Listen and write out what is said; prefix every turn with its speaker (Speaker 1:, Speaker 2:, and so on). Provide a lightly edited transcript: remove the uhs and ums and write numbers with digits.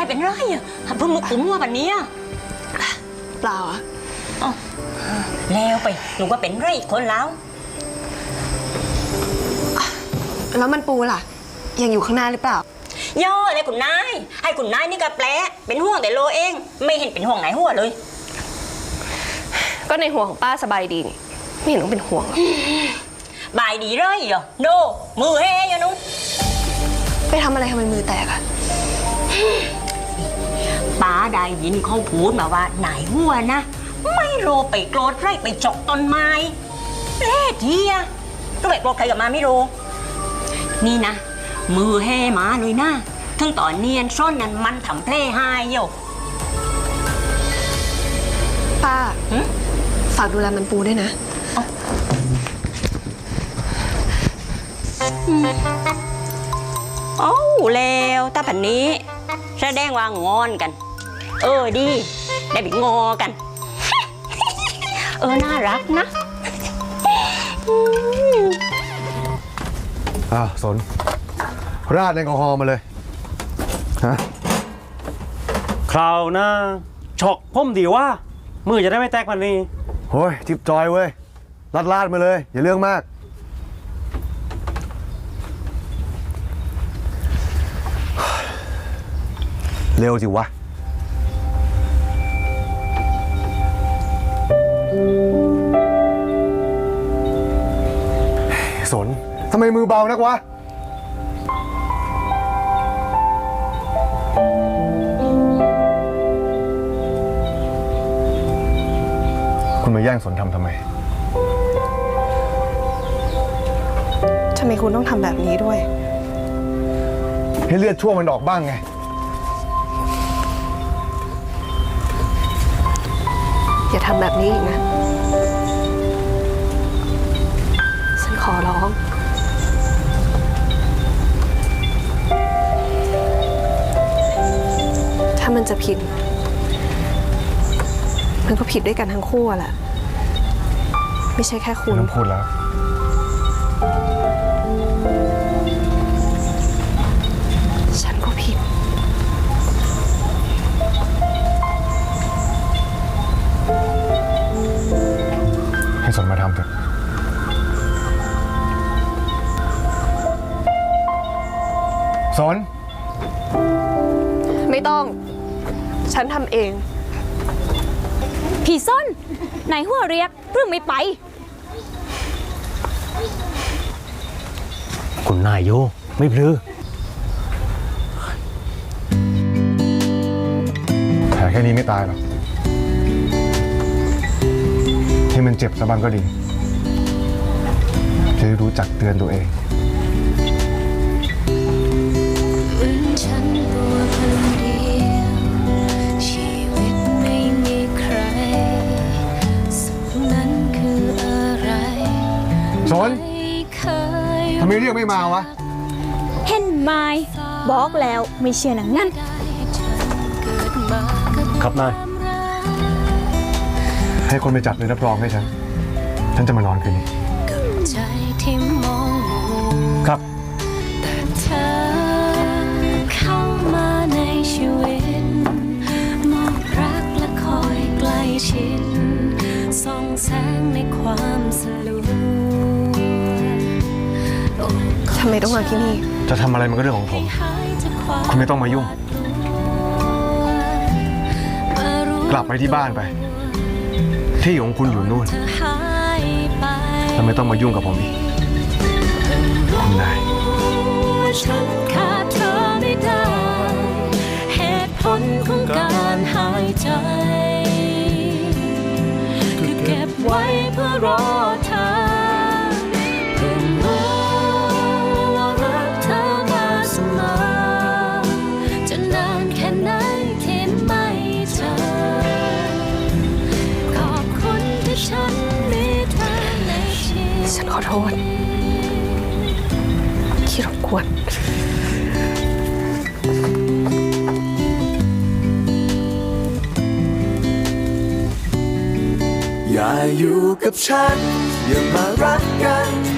Speaker 1: เป็นไรอ่ะเพิ่งมาขุมว่าแบบนี้
Speaker 2: เปล่าอะ
Speaker 1: แล้วไปหนูว่าเป็นไรคนแล้ว
Speaker 2: แล้วมันปูล่ะยังอยู่ข้างหน้าหรือเปล่า
Speaker 1: ย่อเลยคุณนายให้คุณนายนี่ก็แปลเป็นห่วงแต่โลเองไม่เห็นเป็นห่วงไหนหัวเลย
Speaker 2: ก็ในหัวของป้าสบายดีนี่ไม่เห็นต้องเป็นห่วง
Speaker 1: บายดีเลยเหรอโนมือเฮยนุ้ง
Speaker 2: ไปทำอะไรทำไมมือแตกอะ
Speaker 1: ป้าได้ยินเขาพูดมาว่าไหนหัวนะไม่โรไปโกรธไรไปจกต้นไม้เล่เทียก็ไปโกรธใครกับมาไม่รู้นี่นะมือเฮมาเลยนะทั้งตอนเนียนซ่อนนั้นมันทำเพลหายอยู่
Speaker 2: ป้าฝากดูแลมันปูด้วยนะ
Speaker 1: โอ้แล้วถ้าแบบนี้แสดงว่างอนกันดีได้ไปงอกันน่ารักนะ
Speaker 3: สนราดแอลกอฮอล์มาเลยฮะ
Speaker 4: คราวหน้าฉกพ่มดีว่ามือจะได้ไม่แตกมันนี่
Speaker 3: โอ้ยทิปจอยเว้ยลาดมาเลยอย่าเรื่องมากเร็วสิวะสนทำไมมือเบานักวะคุณมาแย่งสนทำไม
Speaker 2: ทำไมคุณต้องทำแบบนี้ด้วย
Speaker 3: ให้เลือดชั่วมันออกบ้างไง
Speaker 2: อย่าทำแบบนี้อีกนะฉันขอร้องถ้ามันจะผิดมันก็ผิดด้วยกันทั้งคู่แหละไม่ใช่แค่คุณ
Speaker 3: ไม่ต้องพูดแล้ว
Speaker 2: ฉันก็ผิด
Speaker 3: ให้สนมาทำเถอะสน
Speaker 2: ไม่ต้องฉันทำเอง
Speaker 5: พี่ส้นไหนหัวเรียกเรื่องไม่ไป
Speaker 4: คุณนายโยไม่พลือ
Speaker 3: แผลแค่นี้ไม่ตายหรอกให้มันเจ็บสักบ้างก็ดีจะได้รู้จักเตือนตัวเองสนทำไมเรียกไม่มาวะ
Speaker 5: เห็นไหมบอกแล้วไม่เชื่อหนังงั้น
Speaker 4: ครับนาย
Speaker 3: ให้คนไปจับเลยรับรองให้ฉันจะมานอนคืนนี้ครับ
Speaker 6: แต่เธอเข้ามาในชีวิตมอบรักและคอยใกล้ชิดส่องแสงในความสลัว
Speaker 2: ทำไมต้องมาที่นี่
Speaker 3: จะทำอะไรมันก็เรื่องของผมคุณไม่ต้องมายุ่งกลับไปที่บ้านไปที่ของคุณอยู่นู่นแล้วไม่ต้องมายุ่งกับผมอีกคุณนาย
Speaker 6: ฉันขาดเธอไม่ได้เหตุผลของการหายใจคือเก็บไว้เพื่อรอเธอเพื่อรู้ว่ารักเธอมาเสมอจะนานแค่ไหนที่ไม่เจอขอบคุณที่ฉันมีเธอในชีวิต
Speaker 2: ฉันขอโทษที่รบกวน
Speaker 6: อย่าอยู่กับฉันอย่ามารักกัน